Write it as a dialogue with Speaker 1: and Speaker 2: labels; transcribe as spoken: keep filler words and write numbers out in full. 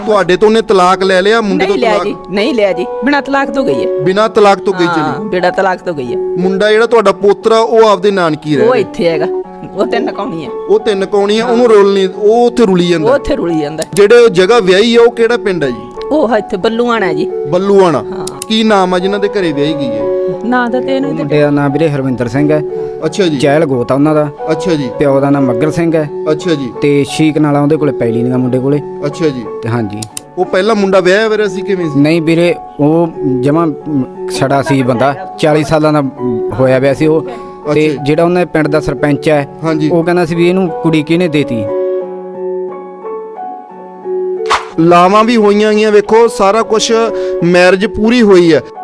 Speaker 1: ਤੁਹਾਡੇ ਤੋਂ ਉਹਨੇ ਤਲਾਕ ਲੈ ਲਿਆ ਮੁੰਡੇ ਤੋਂ?
Speaker 2: ਨਹੀਂ ਲਿਆ ਜੀ, ਨਹੀਂ ਲਿਆ ਜੀ, ਬਿਨਾਂ ਤਲਾਕ ਤੋਂ ਗਈ ਹੈ।
Speaker 1: ਬਿਨਾਂ ਤਲਾਕ ਤੋਂ ਗਈ ਚਲੀ?
Speaker 2: ਹਾਂ, ਬਿਨਾਂ ਤਲਾਕ ਤੋਂ ਗਈ ਹੈ।
Speaker 1: ਮੁੰਡਾ ਜਿਹੜਾ ਤੁਹਾਡਾ ਪੋਤਰਾ ਉਹ ਆਪਦੇ ਨਾਨਕੀ ਰਹਿ
Speaker 2: ਉਹ
Speaker 1: ਰਿਹਾ?
Speaker 2: ਇੱਥੇ ਹੈਗਾ, ਉਹ ਤੇ ਨਕਾਉਣੀ ਹੈ।
Speaker 1: ਉਹ ਤਿੰਨ ਕੌਣੀ ਆ, ਉਹਨੂੰ ਰੋਲ ਨਹੀਂ, ਉਹ ਉੱਥੇ ਰੁਲੀ
Speaker 2: ਉਹ
Speaker 1: ਜਾਂਦਾ।
Speaker 2: ਉੱਥੇ ਰੁਲੀ ਜਾਂਦਾ।
Speaker 1: ਜਿਹੜੇ ਜਗ੍ਹਾ ਵਿਆਹੀ ਆ ਉਹ ਕਿਹੜਾ ਪਿੰਡ ਹੈ ਜੀ?
Speaker 2: ਉਹ ਇੱਥੇ ਬੱਲੂਆਣਾ ਹੈ ਜੀ।
Speaker 1: ਬੱਲੂਆਣਾ।
Speaker 2: ਹਾਂ।
Speaker 1: ਕੀ ਨਾਮ ਆ ਜਿਨ੍ਹਾਂ ਦੇ ਘਰੇ ਵਿਆਹੀ ਗਈ ਹੈ?
Speaker 2: ਨਾਂ ਦਾ ਤੇ ਇਹਨੂੰ
Speaker 3: ਮੁੰਡੇ ਦਾ ਨਾਮ ਵੀਰੇ ਹਰਵਿੰਦਰ ਸਿੰਘ ਹੈ।
Speaker 1: ਅੱਛਾ ਜੀ।
Speaker 3: ਚਹਿਲ ਗੋਤ ਆ ਉਹਨਾਂ ਦਾ।
Speaker 1: ਅੱਛਾ ਜੀ।
Speaker 3: ਪਿਓ ਦਾ ਨਾਮ ਮੱਗਰ ਸਿੰਘ ਹੈ।
Speaker 1: ਅੱਛਾ ਜੀ।
Speaker 3: ਤੇ ਸ਼ੀਕ ਨਾਲਾ ਉਹਦੇ ਕੋਲੇ ਪੈਲੀ ਨਹੀਂ ਮੁੰਡੇ ਕੋਲੇ।
Speaker 1: ਅੱਛਾ ਜੀ।
Speaker 3: ਤੇ ਹਾਂਜੀ।
Speaker 1: ਉਹ ਪਹਿਲਾ ਮੁੰਡਾ ਵਿਆਹਿਆ ਵਰਿਆ ਸੀ ਕਿਵੇਂ ਸੀ?
Speaker 3: ਨਹੀਂ ਵੀਰੇ, ਉਹ ਜਮਾ ਛੜਾ ਸੀ ਬੰਦਾ, ਚਾਲੀ ਸਾਲਾਂ ਦਾ ਹੋਇਆ ਪਿਆ ਸੀ ਉਹ। ਤੇ
Speaker 1: ਅੱਛਾ।
Speaker 3: ਜਿਹੜਾ ਉਹਨਾਂ ਦੇ ਪਿੰਡ ਦਾ ਸਰਪੰਚ ਹੈ,
Speaker 1: ਹਾਂਜੀ।
Speaker 3: ਉਹ ਕਹਿੰਦਾ ਸੀ ਵੀ ਇਹਨੂੰ ਕੁੜੀ ਕਿਹਨੇ ਦੇਤੀ।
Speaker 1: ਲਾਵਾਂ ਵੀ ਹੋਈਆਂ ਗਈਆਂ, ਵੇਖੋ ਸਾਰਾ ਕੁਝ ਮੈਰਿਜ ਪੂਰੀ ਹੋਈ ਹੈ।